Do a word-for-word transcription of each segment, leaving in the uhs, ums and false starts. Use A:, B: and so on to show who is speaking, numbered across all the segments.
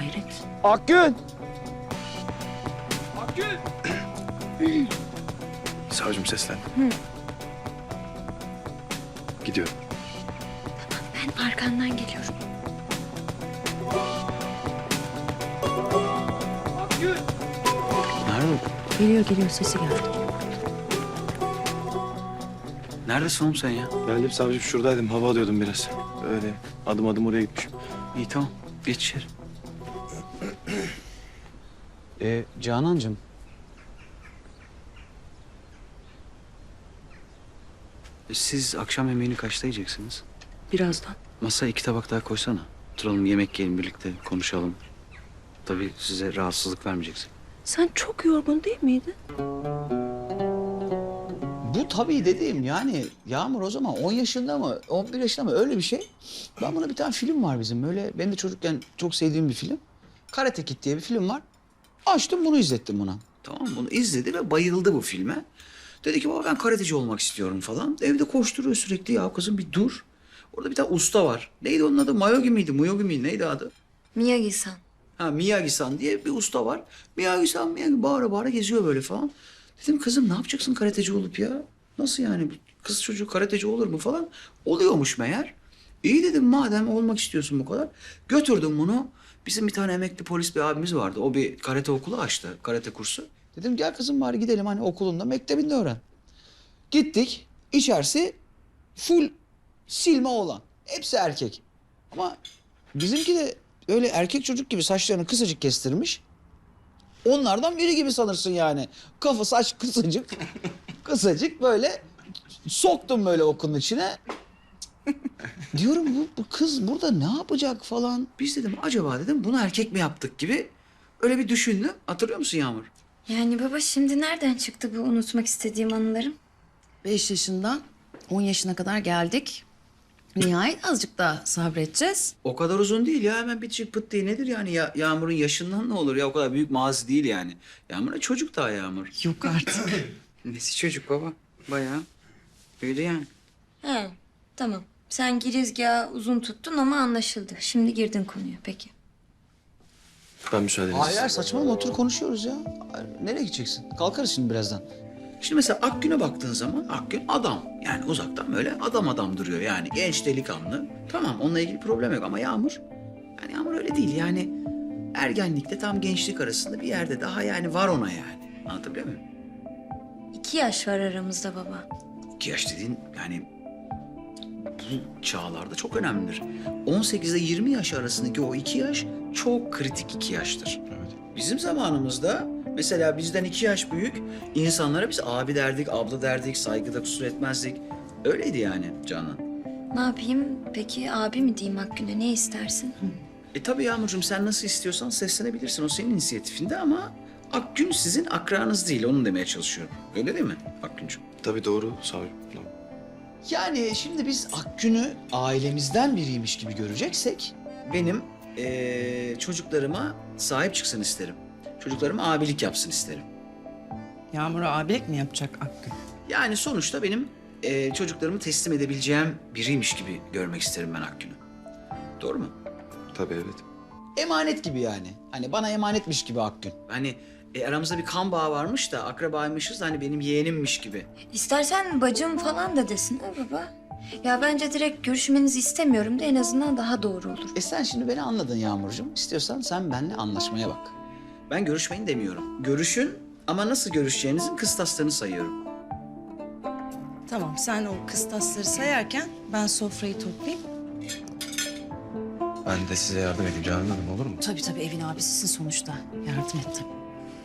A: Hayret.
B: Akgün!
C: Akgün! Savcım seslen. Gidiyorum.
A: Ben arkandan geliyorum.
C: Akgün!
D: Nerede?
A: Geliyor geliyor sesi geldi.
D: Neredesin oğlum sen ya?
C: Geldim savcım, şuradaydım. Hava alıyordum biraz. Öyle adım adım oraya gitmişim.
D: İyi tamam. Geç içeri. Ee, Canancığım. Siz akşam yemeğini kaçta yiyeceksiniz?
A: Birazdan.
D: Masaya iki tabak daha koysana. Oturalım, yemek yiyelim birlikte, konuşalım. Tabii size rahatsızlık vermeyeceksin.
A: Sen çok yorgun değil miydin?
E: Bu tabii dediğim yani Yağmur o zaman on yaşında mı on bir yaşında mı öyle bir şey. Ben buna bir tane film var bizim böyle benim de çocukken çok sevdiğim bir film. Karate Kid diye bir film var. Açtım bunu izlettim buna.
D: Tamam, bunu izledi ve bayıldı bu filme. Dedi ki baba ben karateci olmak istiyorum falan. Evde koşturuyor sürekli, ya kızım bir dur. Orada bir tane usta var. Neydi onun adı? Mayogi miydi? Muyogi miydi? Neydi adı?
A: Miyagi-san.
D: Ha, Miyagi-san diye bir usta var. Miyagi-san, Miyagi bağıra bağıra geziyor böyle falan. Dedim kızım ne yapacaksın karateci olup ya? Nasıl yani? Kız çocuğu karateci olur mu falan? Oluyormuş meğer. İyi dedim, madem olmak istiyorsun bu kadar. Götürdüm bunu. Bizim bir tane emekli polis bir abimiz vardı. O bir karate okulu açtı. Karate kursu.
E: Dedim gel kızım bari gidelim hani okulunda mektebinde öğren. Gittik içerisi full silme oğlan. Hepsi erkek. Ama bizimki de öyle erkek çocuk gibi saçlarını kısacık kestirmiş. Onlardan biri gibi sanırsın yani. Kafa saç kısacık. Kısacık böyle soktum böyle okulun içine. Diyorum bu, bu kız burada ne yapacak falan.
D: Biz dedim acaba dedim bunu erkek mi yaptık gibi öyle bir düşündüm. Hatırlıyor musun Yağmur?
A: Yani baba şimdi nereden çıktı bu unutmak istediğim anılarım?
F: Beş yaşından on yaşına kadar geldik. Nihayet azıcık daha sabredeceğiz.
D: O kadar uzun değil ya, hemen bitecek pıt diye. Nedir yani ya, Yağmur'un yaşından ne olur ya, o kadar büyük mazi değil yani. Yağmur'a çocuk daha Yağmur.
F: Yok artık.
D: Nesi çocuk baba? Bayağı öyle yani.
A: He tamam. Sen girizgahı uzun tuttun ama anlaşıldı. Şimdi girdin konuya peki.
C: Ben müsaadenizle.
E: Hayır hayır saçmalama otur konuşuyoruz ya. Hayır, nereye gideceksin? Kalkarız şimdi birazdan.
D: Şimdi mesela Akgün'e baktığın zaman Akgün adam. Yani uzaktan böyle adam adam duruyor yani. Genç delikanlı. Tamam, onunla ilgili problem yok ama Yağmur... Yani Yağmur öyle değil yani. Ergenlikte tam gençlik arasında bir yerde daha yani var ona yani. Anlatabiliyor muyum?
A: İki yaş var aramızda baba.
D: İki yaş dediğin yani bu çağlarda çok önemlidir. on sekiz ile yirmi yaş arasındaki o iki yaş çok kritik iki yaştır.
C: Evet.
D: Bizim zamanımızda mesela bizden iki yaş büyük insanlara biz abi derdik, abla derdik, saygıda kusur etmezdik. Öyleydi yani Canan.
A: Ne yapayım peki abi mi diyeyim Akgün'e ne istersin?
D: E tabii Yağmurcuğum, sen nasıl istiyorsan seslenebilirsin. O senin inisiyatifinde ama Akgün sizin akranız değil. Onu demeye çalışıyorum. Öyle değil mi Akgüncüğüm?
C: Tabii doğru savcım. Doğru.
E: Yani şimdi biz Akgün'ü ailemizden biriymiş gibi göreceksek...
D: Benim eee, çocuklarıma sahip çıksın isterim. Çocuklarıma abilik yapsın isterim.
F: Yağmur'a abilik mi yapacak Akgün?
D: Yani sonuçta benim eee, çocuklarımı teslim edebileceğim biriymiş gibi görmek isterim ben Akgün'ü. Doğru mu?
C: Tabii evet.
E: Emanet gibi yani. Hani bana emanetmiş gibi Akgün.
D: Hani e, aramızda bir kan bağı varmış da akrabaymışız da hani benim yeğenimmiş gibi.
A: İstersen bacım falan da desin ha baba. Ya bence direkt görüşmenizi istemiyorum da en azından daha doğru olur.
E: E sen şimdi beni anladın Yağmurcuğum. İstiyorsan sen benimle anlaşmaya bak.
D: Ben görüşmeyin demiyorum. Görüşün ama nasıl görüşeceğinizin kıstaslarını sayıyorum.
F: Tamam sen o kıstasları sayarken ben sofrayı toplayayım.
C: Ben de size yardım edeyim Canan Hanım, olur mu?
F: Tabii tabii evin abisisin sonuçta. Yardım et tabii.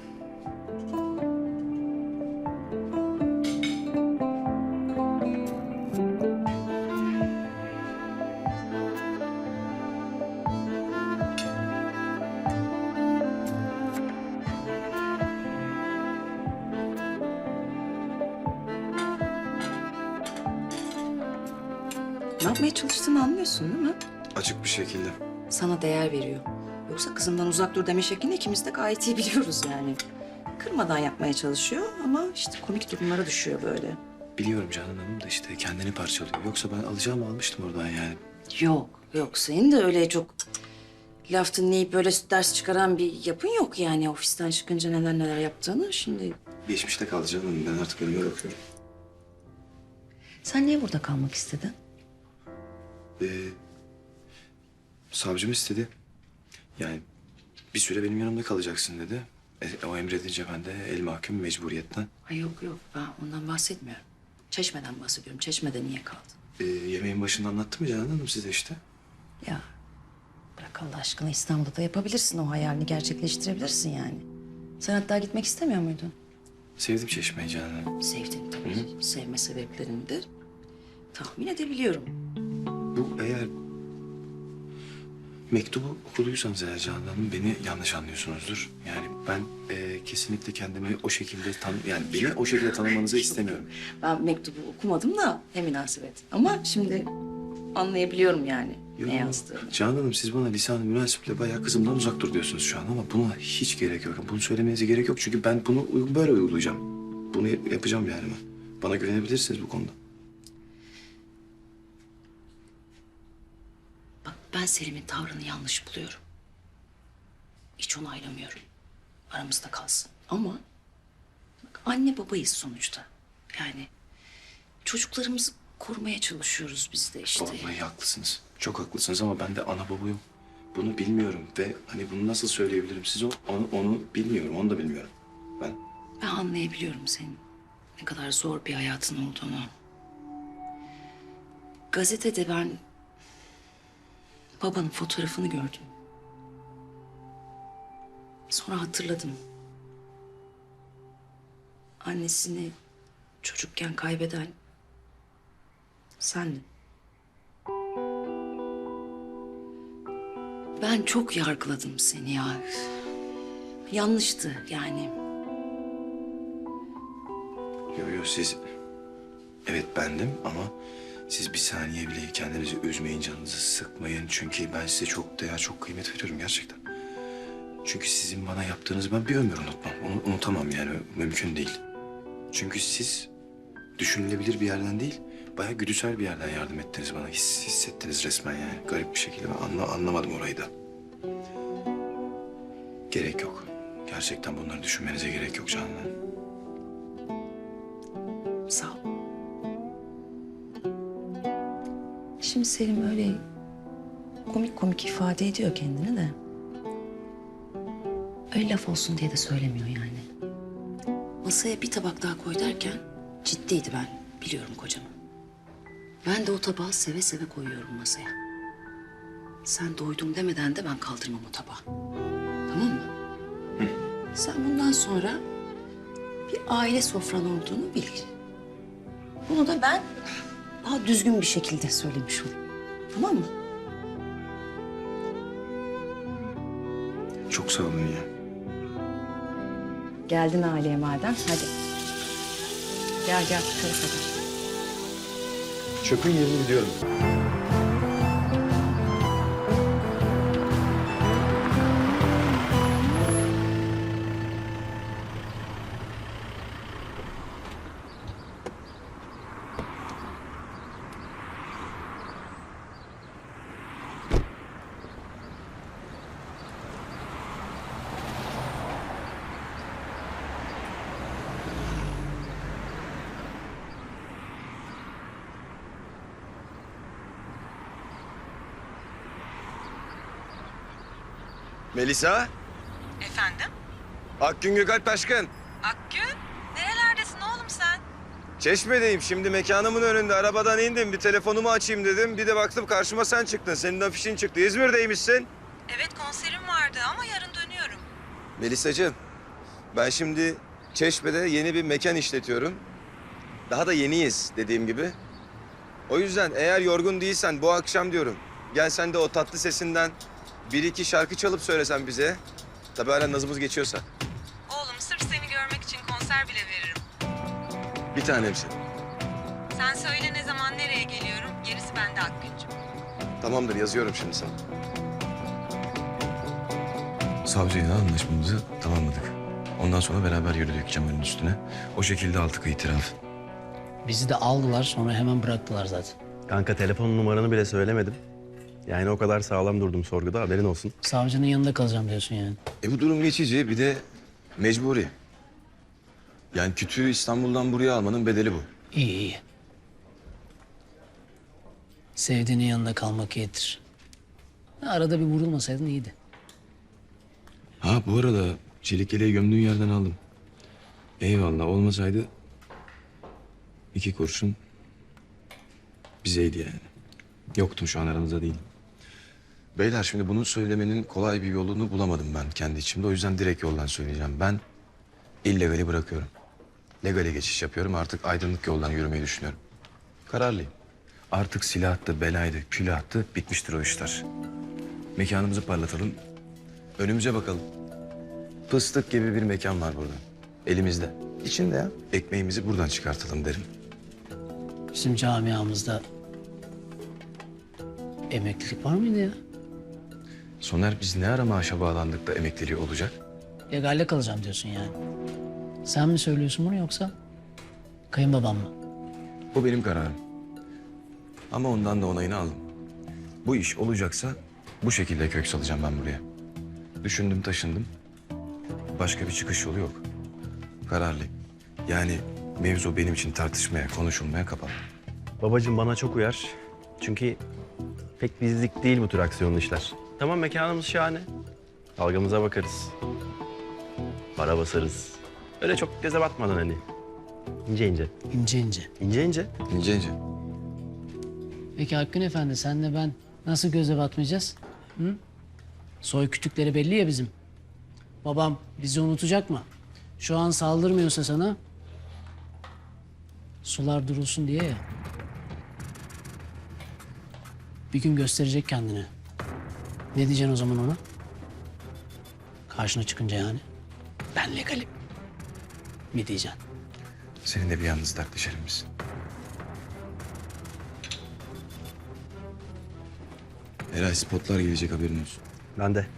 F: Ne yapmaya çalıştığını anlıyorsun değil mi?
C: Açık bir şekilde.
F: Sana değer veriyor. Yoksa kızımdan uzak dur deme şeklini ikimiz de gayet iyi biliyoruz yani. Kırmadan yapmaya çalışıyor ama işte komik durumlara düşüyor böyle.
C: Biliyorum Canan Hanım da işte kendini parçalıyor. Yoksa ben alacağımı almıştım oradan yani.
F: Yok, yok. Senin de öyle çok laf dinleyip böyle ders çıkaran bir yapın yok yani. Ofisten çıkınca neler neler yaptığını şimdi.
C: Geçmişte kaldı canım. Ben artık önüme bakıyorum.
F: Sen niye burada kalmak istedin?
C: Ee, savcım istedi. Yani bir süre benim yanımda kalacaksın dedi. E, o emredince ben de el mahkum mecburiyetten.
F: Ay yok yok, ben ondan bahsetmiyorum. Çeşmeden bahsediyorum. Çeşmede niye kaldın?
C: Ee, yemeğin başında anlattım ya Canan Hanım size işte.
F: Ya bırak Allah aşkına, İstanbul'da da yapabilirsin o hayalini, gerçekleştirebilirsin yani. Sen hatta gitmek istemiyor muydun?
C: Sevdim Çeşme'yi Canan Hanım.
F: Sevdin tabii. Sevme sebeplerini de tahmin edebiliyorum.
C: Bu eğer mektubu okuduysanız eğer Canan Hanım beni yanlış anlıyorsunuzdur. Yani ben e, kesinlikle kendimi o şekilde tan yani beni o şekilde tanımanızı istemiyorum.
F: Ben mektubu okumadım da ne münasebet. Ama şimdi anlayabiliyorum yani ne yazdığını.
C: Canan Hanım siz bana lisan-ı münasiple bayağı kızımdan uzak dur diyorsunuz şu an ama buna hiç gerek yok. Bunu söylemenize gerek yok çünkü ben bunu uy- böyle uygulayacağım. Bunu yap- yapacağım yani ben. Bana güvenebilirsiniz bu konuda.
F: Bak ben Selim'in tavrını yanlış buluyorum. Hiç onaylamıyorum. Aramızda kalsın. Ama bak, anne babayız sonuçta. Yani çocuklarımızı korumaya çalışıyoruz biz de işte.
C: Vallahi haklısınız. Çok haklısınız ama ben de ana babayım. Bunu bilmiyorum ve hani bunu nasıl söyleyebilirim size o- onu, onu bilmiyorum. Onu da bilmiyorum. Ben
F: Ben anlayabiliyorum senin ne kadar zor bir hayatın olduğunu. Gazetede ben babanın fotoğrafını gördüm. Sonra hatırladım. Annesini çocukken kaybeden sendin. Ben çok yargıladım seni ya. Yanlıştı yani.
C: Yo yo siz evet bendim ama siz bir saniye bile kendinizi üzmeyin, canınızı sıkmayın. Çünkü ben size çok değer, çok kıymet veriyorum gerçekten. Çünkü sizin bana yaptığınızı ben bir ömür unutmam. Onu unutamam yani mümkün değil. Çünkü siz düşünülebilir bir yerden değil, bayağı güdüsel bir yerden yardım ettiniz bana. His, hissettiniz resmen yani. Garip bir şekilde ben anla, anlamadım orayı da. Gerek yok. Gerçekten bunları düşünmenize gerek yok Canan Hanım.
F: Sağ ol. Şimdi Selim öyle komik komik ifade ediyor kendini de. Öyle laf olsun diye de söylemiyor yani. Masaya bir tabak daha koy derken ciddiydi, ben biliyorum kocamı. Ben de o tabağı seve seve koyuyorum masaya. Sen doydum demeden de ben kaldırmam o tabağı. Tamam mı? Sen bundan sonra bir aile sofran olduğunu bil. Bunu da ben daha düzgün bir şekilde söylemiş olayım. Tamam mı?
C: Çok sağ olun ya.
F: Geldin aileye madem, hadi. Gel gel, şöyle kadar.
C: Çöpün yerini biliyorum.
B: Melisa,
G: Efendim?
B: Akgün Gökalp Taşkın.
G: Akgün? Nerelerdesin oğlum sen?
B: Çeşme'deyim. Şimdi mekanımın önünde. Arabadan indim. Bir telefonumu açayım dedim. Bir de baktım karşıma sen çıktın. Senin afişin çıktı. İzmir'deymişsin.
G: Evet konserim vardı ama yarın dönüyorum.
B: Melisacığım, ben şimdi Çeşme'de yeni bir mekan işletiyorum. Daha da yeniyiz dediğim gibi. O yüzden eğer yorgun değilsen bu akşam diyorum. Gel sen de o tatlı sesinden bir iki şarkı çalıp söylesen bize. Tabii hala nazımız geçiyorsa.
G: Oğlum sırf seni görmek için konser bile veririm.
B: Bir tanemsin.
G: Sen söyle ne zaman nereye geliyorum, gerisi bende Akgüncüm.
B: Tamamdır, yazıyorum şimdi sana.
C: Savcıyla anlaşmamızı tamamladık. Ondan sonra beraber yürüdük Cemal'in üstüne. O şekilde aldık itiraf.
E: Bizi de aldılar sonra hemen bıraktılar zaten.
H: Kanka telefon numaranı bile söylemedim. Yani o kadar sağlam durdum sorguda, haberin olsun.
I: Savcının yanında kalacağım diyorsun yani.
B: E bu durum geçici, bir de mecburi. Yani kütüğü İstanbul'dan buraya almanın bedeli bu.
I: İyi iyi. Sevdiğinin yanında kalmak iyidir. Arada bir vurulmasaydın iyiydi.
C: Ha bu arada çelik yeleği gömdüğün yerden aldım. Eyvallah, olmasaydı iki kurşun bizeydi yani. Yoktum, şu an aranızda değilim.
B: Beyler, şimdi bunu söylemenin kolay bir yolunu bulamadım ben kendi içimde. O yüzden direkt yoldan söyleyeceğim. Ben illegali bırakıyorum. Legale geçiş yapıyorum. Artık aydınlık yoldan yürümeyi düşünüyorum. Kararlıyım. Artık silahtı, belaydı, külahtı, bitmiştir o işler. Mekanımızı parlatalım. Önümüze bakalım. Fıstık gibi bir mekan var burada. Elimizde. İçinde ya. Ekmeğimizi buradan çıkartalım derim.
I: Bizim camiamızda emeklilik var mıydı ya?
B: Soner, biz ne ara maaşa bağlandık da emekliliği olacak?
I: Legalle kalacağım diyorsun yani. Sen mi söylüyorsun bunu yoksa kayınbabam mı?
B: Bu benim kararım. Ama ondan da onayını aldım. Bu iş olacaksa bu şekilde kök salacağım ben buraya. Düşündüm, taşındım. Başka bir çıkış yolu yok. Kararlıyım. Yani mevzu benim için tartışmaya, konuşulmaya kapalı.
H: Babacığım bana çok uyar. Çünkü pek bizlik değil bu tür aksiyonlu işler. Tamam, mekanımız şahane. Dalgamıza bakarız. Para basarız. Öyle çok göze batmadan hani. İnce ince.
I: İnce ince.
H: İnce ince.
B: İnce ince.
I: Peki Hakkın Efendi senle ben nasıl göze batmayacağız? Hı? Soy kütükleri belli ya bizim. Babam bizi unutacak mı? Şu an saldırmıyorsa sana sular durulsun diye ya. Bir gün gösterecek kendini. Ne diyeceksin o zaman ona? Karşına çıkınca yani. Ben legalim. Mi diyeceksin?
B: Seninle bir yalnız dertleşelim biz.
C: Eray, spotlar gelecek, haberin olsun.
H: Ben de.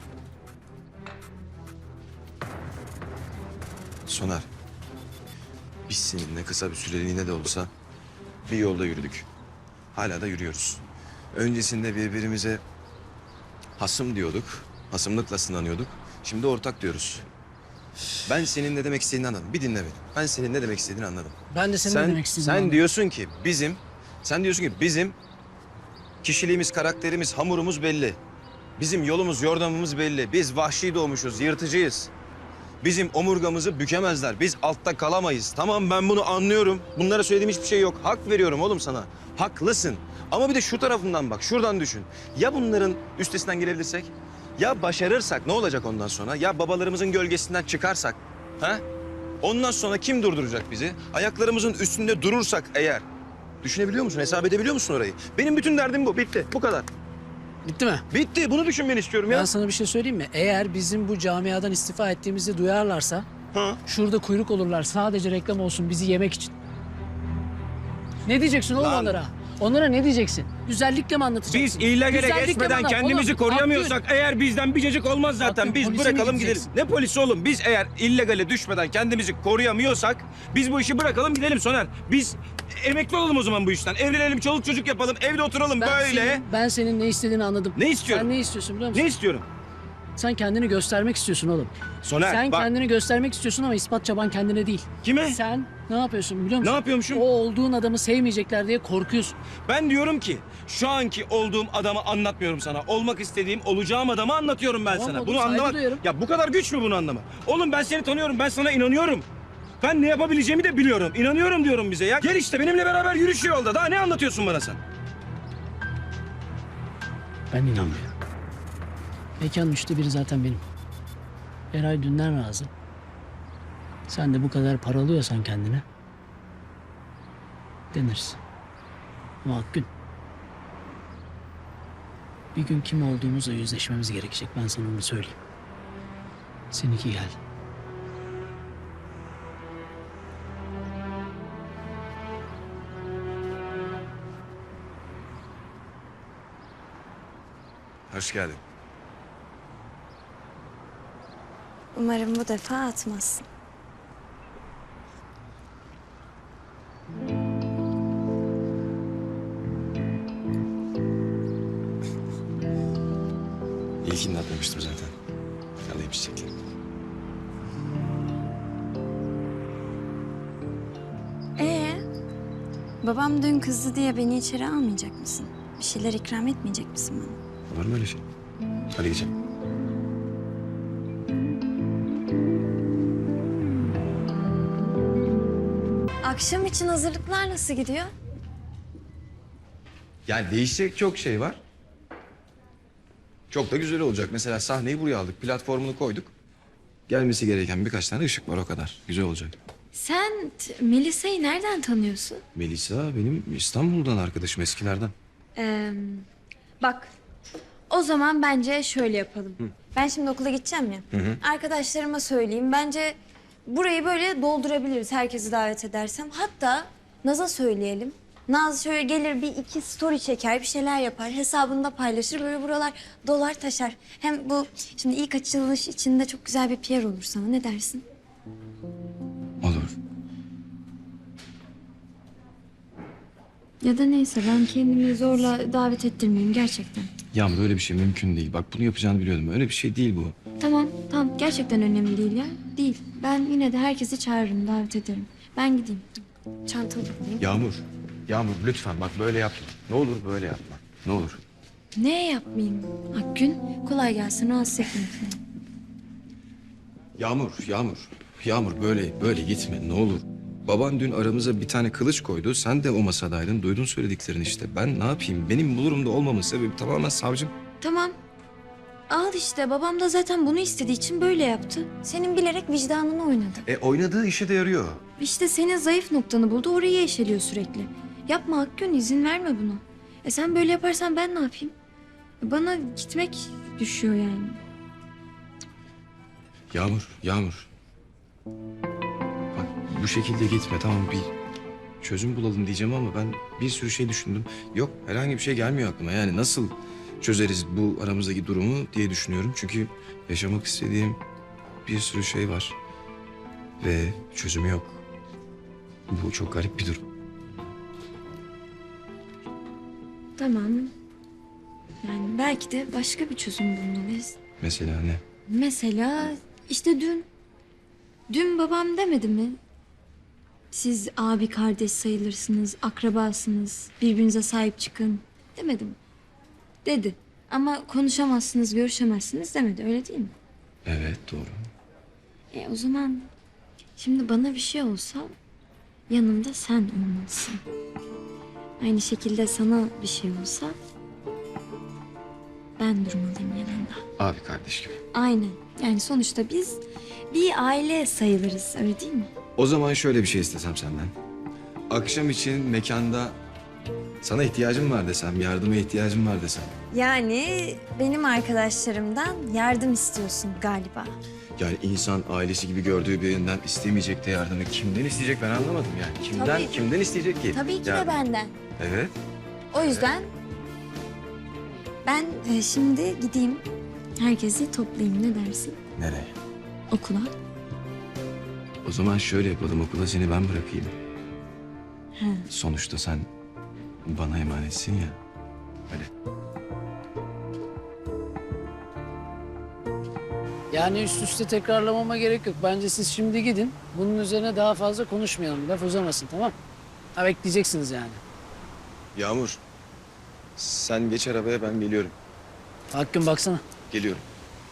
B: Soner, biz seninle kısa bir süreliğine de olsa bir yolda yürüdük. Hala da yürüyoruz. Öncesinde birbirimize hasım diyorduk, hasımlıkla sınanıyorduk. Şimdi ortak diyoruz. Ben senin ne demek istediğini anladım. Bir dinle beni. Ben senin ne demek istediğini anladım.
I: Ben de senin
B: sen,
I: ne demek istediğini
B: Sen
I: anladım.
B: diyorsun ki bizim, sen diyorsun ki bizim kişiliğimiz, karakterimiz, hamurumuz belli. Bizim yolumuz, yordamımız belli. Biz vahşi doğmuşuz, yırtıcıyız. Bizim omurgamızı bükemezler. Biz altta kalamayız. Tamam, ben bunu anlıyorum. Bunlara söylediğim hiçbir şey yok. Hak veriyorum oğlum sana. Haklısın. Ama bir de şu tarafından bak, şuradan düşün. Ya bunların üstesinden gelebilirsek? Ya başarırsak ne olacak ondan sonra? Ya babalarımızın gölgesinden çıkarsak? Ha? Ondan sonra kim durduracak bizi? Ayaklarımızın üstünde durursak eğer. Düşünebiliyor musun? Hesap edebiliyor musun orayı? Benim bütün derdim bu. Bitti. Bu kadar.
I: Bitti mi?
B: Bitti. Bunu düşünmeni istiyorum ya.
I: Ben sana bir şey söyleyeyim mi? Eğer bizim bu camiadan istifa ettiğimizi duyarlarsa...
B: Ha?
I: Şurada kuyruk olurlar sadece reklam olsun bizi yemek için. Ne diyeceksin oğlum
B: Lan.
I: onlara? Onlara ne diyeceksin? Güzellikle mi anlatacaksın?
J: Biz illegale
I: Güzellikle
J: geçmeden
I: mi anlat-
J: kendimizi
I: Oğlum,
J: koruyamıyorsak eğer bizden bir cacık olmaz zaten.
I: Hakkın,
J: Biz
I: polise mi
J: bırakalım gidelim.
I: gideceksin?
J: Ne polisi oğlum? Biz eğer illegale düşmeden kendimizi koruyamıyorsak biz bu işi bırakalım gidelim Soner. Biz emekli olalım o zaman bu işten. Evlenelim, çoluk çocuk yapalım, evde oturalım
I: Ben
J: böyle.
I: Senin, ben senin ne istediğini anladım.
J: Ne istiyorum?
I: Sen ne istiyorsun biliyor musun?
J: Ne istiyorum?
I: Sen kendini göstermek istiyorsun oğlum.
J: Soner
I: Sen
J: bak.
I: kendini göstermek istiyorsun ama ispat çaban kendine değil.
J: Kime?
I: Sen ne yapıyorsun biliyor musun?
J: Ne yapıyormuşum?
I: O olduğun adamı sevmeyecekler diye korkuyorsun.
J: Ben diyorum ki şu anki olduğum adamı anlatmıyorum sana. Olmak istediğim, olacağım adamı anlatıyorum ben
I: Tamam
J: sana.
I: oğlum,
J: Bunu
I: saygı
J: anlamak...
I: duyuyorum.
J: Ya bu kadar güç mü bunu anlamak? Oğlum ben seni tanıyorum, ben sana inanıyorum. Ben ne yapabileceğimi de biliyorum. İnanıyorum diyorum bize ya. Gel işte benimle beraber yürüyüş yolda. Daha ne anlatıyorsun bana sen?
I: Ben inanmıyorum. Mekanın üçte biri zaten benim. Eray dünden razı. Sen de bu kadar paralıyorsan kendine denirsin. Ama Akgün, bir gün kim olduğumuzla yüzleşmemiz gerekecek. Ben sana onu söyleyeyim. Seninki geldi.
B: Hoş geldin.
A: Umarım bu defa atmazsın.
C: koyacağım çiçekleri.
A: Ee, babam dün kızdı diye beni içeri almayacak mısın? Bir şeyler ikram etmeyecek misin bana?
C: Var mı öyle şey? Hadi geçelim.
A: Akşam için hazırlıklar nasıl gidiyor?
B: Yani değişecek çok şey var. Çok da güzel olacak. Mesela sahneyi buraya aldık. Platformunu koyduk. Gelmesi gereken birkaç tane ışık var o kadar. Güzel olacak.
A: Sen t- Melisa'yı nereden tanıyorsun?
C: Melisa benim İstanbul'dan arkadaşım eskilerden.
A: Ee, bak, o zaman bence şöyle yapalım. Ben şimdi okula gideceğim ya. Arkadaşlarıma söyleyeyim. Bence burayı böyle doldurabiliriz herkesi davet edersem. Hatta Naz'a söyleyelim. Naz şöyle gelir bir iki story çeker, bir şeyler yapar. Hesabında paylaşır. Böyle buralar dolar taşar. Hem bu şimdi ilk açılış içinde çok güzel bir P R olur sana. Ne dersin?
C: Olur.
A: Ya da neyse ben kendimi zorla davet ettirmeyeyim gerçekten.
C: Yağmur öyle bir şey mümkün değil. Bak bunu yapacağını biliyordum. Öyle bir şey değil bu.
A: Tamam, tamam. Gerçekten önemli değil ya. Değil. Ben yine de herkesi çağırırım, davet ederim. Ben gideyim. Çantamı alayım.
C: Yağmur. Yağmur lütfen bak böyle yapma. Ne olur böyle yapma. Ne olur.
A: Ne yapmayayım? Akgün, kolay gelsin. Rahatsız etmeyin.
C: Yağmur, Yağmur. Yağmur böyle böyle gitme ne olur. Baban dün aramıza bir tane kılıç koydu. Sen de o masadaydın. Duydun söylediklerini işte. Ben ne yapayım? Benim bu durumda olmamın sebebi tamamen savcım.
A: Tamam. Al işte. Babam da zaten bunu istediği için böyle yaptı. Senin bilerek vicdanını oynadı.
C: E oynadığı işe de yarıyor.
A: İşte senin zayıf noktanı buldu. Orayı eşeliyor sürekli. Yapma Akgün. İzin verme buna. E sen böyle yaparsan ben ne yapayım? Bana gitmek düşüyor yani.
C: Yağmur, Yağmur. Bak bu şekilde gitme tamam bir çözüm bulalım diyeceğim ama ben bir sürü şey düşündüm. Yok herhangi bir şey gelmiyor aklıma. Yani nasıl çözeriz bu aramızdaki durumu diye düşünüyorum. Çünkü yaşamak istediğim bir sürü şey var. Ve çözümü yok. Bu çok garip bir durum.
A: Tamam. Yani belki de başka bir çözüm bulmalıyız.
C: Mesela ne?
A: Mesela işte dün, dün babam demedi mi? Siz abi kardeş sayılırsınız, akrabasınız, birbirinize sahip çıkın demedi mi? Dedi. Ama konuşamazsınız, görüşemezsiniz demedi, öyle değil mi?
C: Evet doğru.
A: E o zaman şimdi bana bir şey olsa yanımda sen olmalısın. Aynı şekilde sana bir şey olsa ben durmalıyım yanında.
C: Abi kardeş gibi.
A: Aynen. Yani sonuçta biz bir aile sayılırız, öyle değil mi?
C: O zaman şöyle bir şey istesem senden. Akşam için mekanda sana ihtiyacım var desem, yardıma ihtiyacım var desem.
A: Yani benim arkadaşlarımdan yardım istiyorsun galiba.
C: Yani insan ailesi gibi gördüğü birinden istemeyecek de yardımı kimden isteyecek ben anlamadım yani. Kimden
A: Tabii.
C: kimden isteyecek ki?
A: Tabii ki
C: Yani-
A: de benden.
C: Evet.
A: O yüzden ben e, şimdi gideyim herkesi toplayayım, ne dersin?
C: Nereye?
A: Okula.
C: O zaman şöyle yapalım okula seni ben bırakayım.
A: He.
C: Sonuçta sen bana emanetsin ya. Öyle.
I: Yani üst üste tekrarlamama gerek yok. Bence siz şimdi gidin. Bunun üzerine daha fazla konuşmayalım. Laf uzamasın, tamam? Ha, bekleyeceksiniz yani.
B: Yağmur. Sen geç arabaya ben geliyorum.
I: Hakkın baksana.
B: Geliyorum.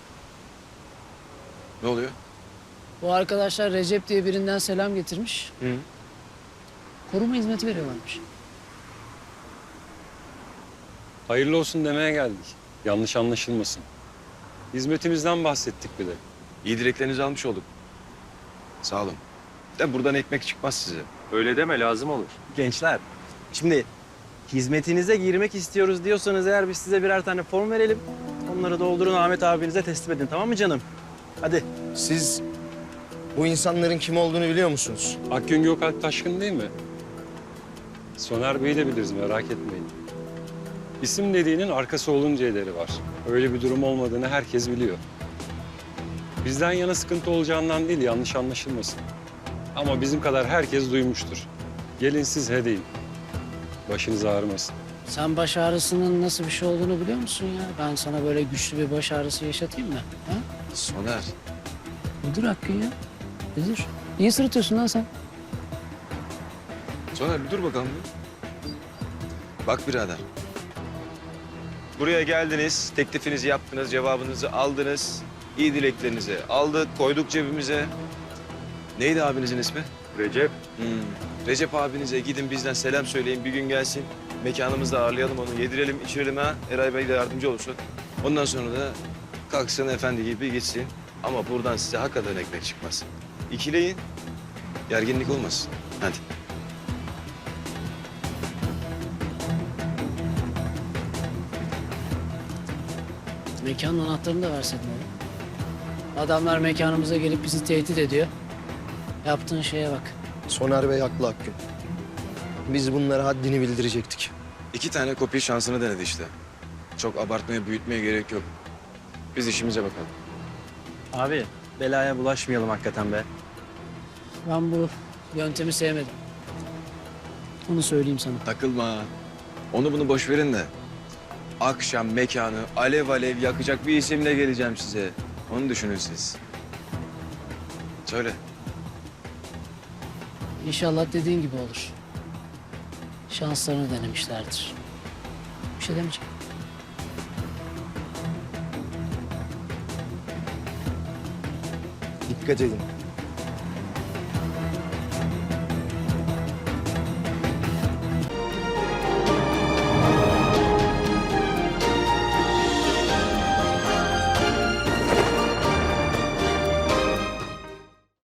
B: Ne oluyor?
I: Bu arkadaşlar Recep diye birinden selam getirmiş.
B: Hı.
I: Koruma hizmeti veriyorlarmış.
K: Hayırlı olsun demeye geldik. Yanlış anlaşılmasın. Hizmetimizden bahsettik bir de.
B: İyi dileklerinizi almış olduk. Sağ olun. De buradan ekmek çıkmaz size.
H: Öyle deme lazım olur. Gençler şimdi hizmetinize girmek istiyoruz diyorsanız eğer biz size birer tane form verelim. Onları doldurun Ahmet abinize teslim edin tamam mı canım? Hadi.
B: Siz bu insanların kim olduğunu biliyor musunuz?
K: Akgün Gökalp Taşkın değil mi? Soner Bey'i de biliriz merak etmeyin. İsim dediğinin arkası olunca ederi var. Öyle bir durum olmadığını herkes biliyor. Bizden yana sıkıntı olacağından değil yanlış anlaşılmasın. Ama bizim kadar herkes duymuştur. Gelin siz he deyin. Başınız ağrımasın.
I: Sen baş ağrısının nasıl bir şey olduğunu biliyor musun ya? Ben sana böyle güçlü bir baş ağrısı yaşatayım mı? Ha?
B: Soner.
I: Nedir Hakkı ya? Nedir? Niye sırıtıyorsun lan sen?
B: Soner bir dur bakalım bir. Bak birader. Buraya geldiniz, teklifinizi yaptınız, cevabınızı aldınız. İyi dileklerinizi aldık, koyduk cebimize. Neydi abinizin ismi?
H: Recep.
B: Hmm. Recep abinize gidin bizden selam söyleyin, bir gün gelsin. Mekanımızda ağırlayalım onu, yedirelim, içirelim ha. Eray Bey de yardımcı olsun. Ondan sonra da kalksın efendi gibi gitsin. Ama buradan size hakikaten ekmek çıkmaz. İkileyin, gerginlik olmasın. Hadi.
I: Mekanın anahtarını da verseydin oğlum. Adamlar mekanımıza gelip bizi tehdit ediyor. Yaptığın şeye bak.
L: Soner Bey haklı Hakkı. Biz bunlara haddini bildirecektik.
B: İki tane kopya şansını denedi işte. Çok abartmaya, büyütmeye gerek yok. Biz işimize bakalım.
H: Abi belaya bulaşmayalım hakikaten be.
I: Ben bu yöntemi sevmedim. Onu söyleyeyim sana.
B: Takılma. Onu bunu boş verin de. Akşam mekanı alev alev yakacak bir isimle geleceğim size. Onu düşünün siz. Söyle.
I: İnşallah dediğin gibi olur. Şanslarını denemişlerdir. Bir şey demeyeceğim.
L: Dikkat edin.